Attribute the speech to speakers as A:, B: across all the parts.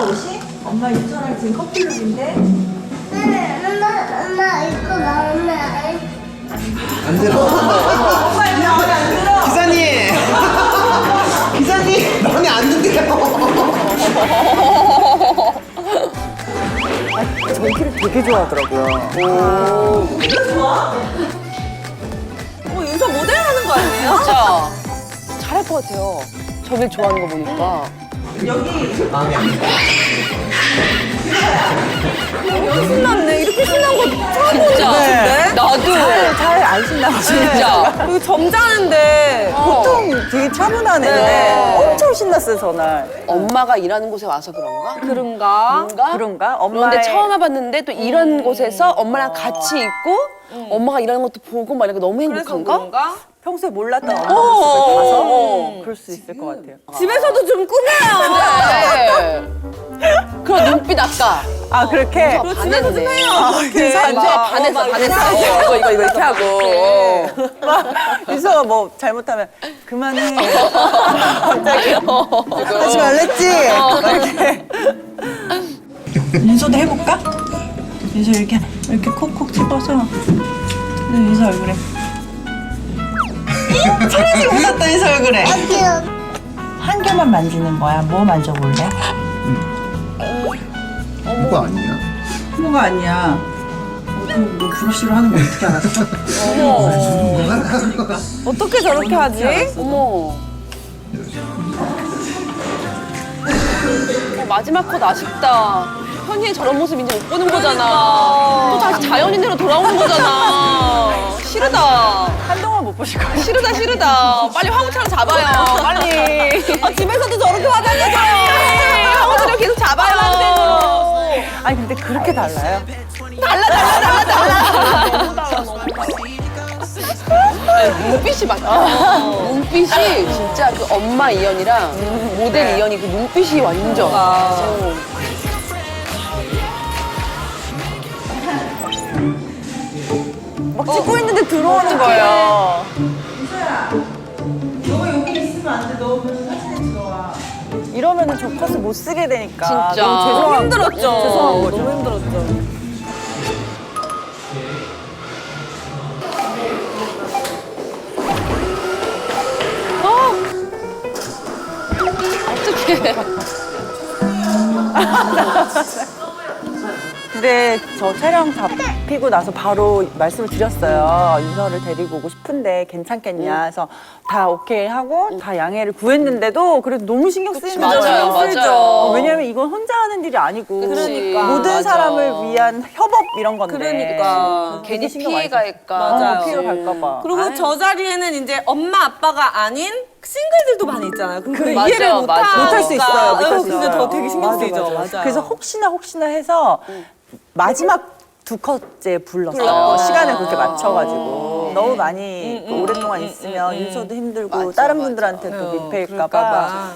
A: 옷이? 엄마 윤서랑 지금 커플룩인데?
B: 엄마 이거 마음에
C: 안 들어.
A: 엄마 여기 마음에 안 들어?
C: 기사님! 기사님! 마음에 안 든대요.
D: 저희 키를 되게 좋아하더라고요.
A: 이거 좋아? 윤서 모델 하는 거 아니에요?
E: 진짜 잘할 것 같아요. 저길 좋아하는 거 보니까.
A: 여기
C: 마음에 안 든대.
A: 신났네. 이렇게 신난 거 처음 보는 거
E: 진짜.
A: 같은데?
E: 나도.
D: 잘 안 신나고
E: 진짜.
A: 이거 점잖은데.
D: 보통 되게 차분한 애인데
A: 네.
D: 엄청 신났어요, 저날.
E: 엄마가 일하는 곳에 와서 그런가?
A: 그런가?
D: 그런가? 엄마의
E: 그런데 처음 와봤는데 또 이런 곳에서 엄마랑 같이 있고 엄마가 일하는 것도 보고 막 이렇게 너무 행복한가?
A: 그런가?
D: 평소에 몰랐던 엄마 모습을 봐서 그럴 수 있을 것 같아요.
A: 집에서도 좀 꾸며요.
E: 네. 그런 눈빛 아까.
D: 아, 그렇게?
E: 반했네.
D: 그래서 반해서 이거 이렇게 하고 유서가 뭐 잘못하면 그만해 갑자기 하지 말랬지 막 이렇게 윤서도 해볼까? 윤서 이렇게 콕콕 집어서 윤서 얼굴에 사라지고 웃었다 윤서 얼굴에 한 개만 만지는 거야. 뭐 만져볼래?
C: 그거 아니야.
D: 뭐가 아니야. 너 브러쉬로 하는 거 어떻게 알았어?
A: 어떻게 저렇게 하지?
E: 어머. 마지막 컷 아쉽다. 현이의 저런 모습 이제 못 보는 거잖아. 또 다시 자연인대로 돌아오는 거잖아. 싫다.
D: 한동안 못 보실 거예요.
E: 싫다. 빨리 화무차를 잡아요. 빨리.
A: 집에서도 저렇게 화장해줘요.
E: 화무차를 계속 잡아요.
D: 아니 근데 그렇게 달라요?
E: 눈빛이 맞다. 눈빛이 진짜 그 엄마 이연이랑 모델 이연이 그 눈빛이 완전.
D: 막 찍고 있는데 들어오는 거예요.
A: 너가 여기 있으면 안 돼. 너 오면 사진에 들어와.
D: 이러면은 저 컷을 못 쓰게 되니까
E: 진짜.
D: 너무 죄송한
A: 힘들었죠.
D: 죄송한 거죠.
A: 너무 힘들었죠.
E: 어떡해.
D: 근데 저 촬영 잡히고 나서 바로 말씀을 드렸어요. 윤서를 데리고 오고 싶은데 괜찮겠냐 해서 다 오케이 하고 다 양해를 구했는데도 그래도 너무 신경 쓰이는 거예요.
E: 맞아요, 맞아요.
D: 왜냐면 이건 혼자 하는 일이 아니고
E: 그러니까.
D: 모든
E: 맞아.
D: 사람을 위한 협업 이런 건데
A: 그러니까.
D: 되게
E: 괜히
D: 신경 많이
E: 피해가 갈까.
A: 맞아요.
D: 피해가 갈까 봐.
A: 그리고 저 자리에는 이제 엄마 아빠가 아닌 싱글들도 많이 있잖아요. 그럼
D: 그래,
A: 이해를
E: 맞아, 맞아.
D: 못할 수 있어요. 못할 수
A: 근데
D: 있어요.
A: 더 되게 신경
D: 맞아,
A: 쓰이죠.
D: 맞아.
A: 맞아요.
D: 그래서 혹시나 해서 마지막 두 컷째 불렀어요.
A: 불렀구나.
D: 시간을 그렇게 맞춰가지고 너무 많이 오랫동안 있으면 윤서도 힘들고
E: 맞아,
D: 다른
E: 맞아.
D: 분들한테도 민폐일까봐.
A: 그럴까봐.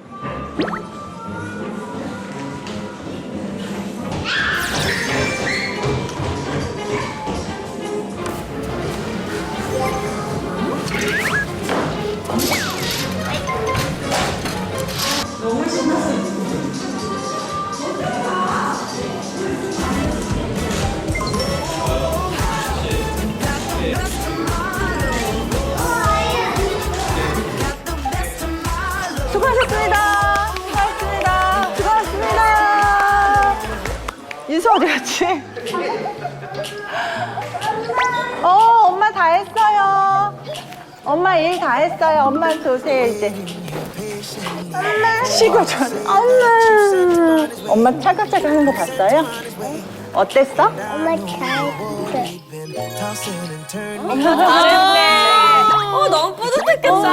D: 수고하셨습니다. 수고하셨습니다. 수고하셨습니다. 윤서 어디 갔지? 엄마 다 했어요. 엄마 일 다 했어요. 엄마한테 오세요, 이제. 엄마. 쉬고 줘. 엄마 찰칵찰칵 하는 거 봤어요? 어땠어?
B: 엄마 잘했어.
A: 너무 뿌듯했겠다.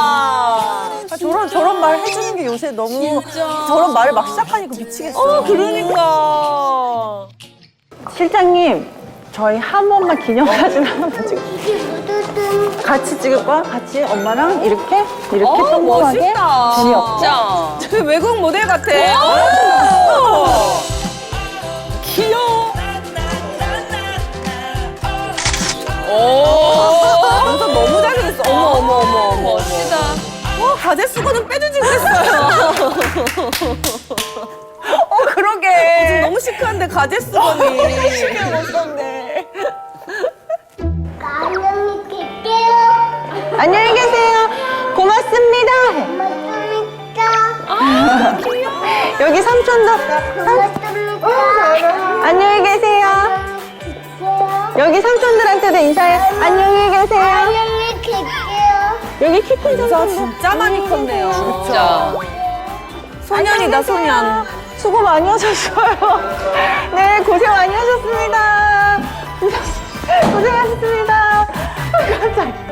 D: 저런 말 해주는 게 요새 너무 저런 말을 막 시작하니까 미치겠어요.
A: 그러니까.
D: 실장님, 저희 한 번만 기념사진 하나만 찍어. 같이 찍을 거야? 같이 엄마랑 이렇게 평범하게.
A: 멋있다.
E: 진짜.
A: 그 외국 모델 같아. 귀여워. 완전 너무 잘생겼어. 어머.
E: 멋지다.
A: 가제 수건은 빼주지 그랬어요.
D: 썼네.
A: 너무 시크한데 가제수건이.
D: 신경 못 썼네.
B: 안녕히 계세요.
D: 안녕히 계세요. 고맙습니다.
B: 고맙습니다.
D: 여기 삼촌도
B: 고맙습니다.
D: 안녕히 계세요. 여기 삼촌들한테도 인사해. 안녕히 계세요.
B: 안녕히 계세요.
D: 여기 키 큰
A: 인사
D: 삼촌
A: 진짜 많이 컸네요.
E: 진짜.
A: 소년이다, 소년.
D: 수고 많이 하셨어요. 네, 고생 많이 하셨습니다. 고생하셨습니다. 깜짝.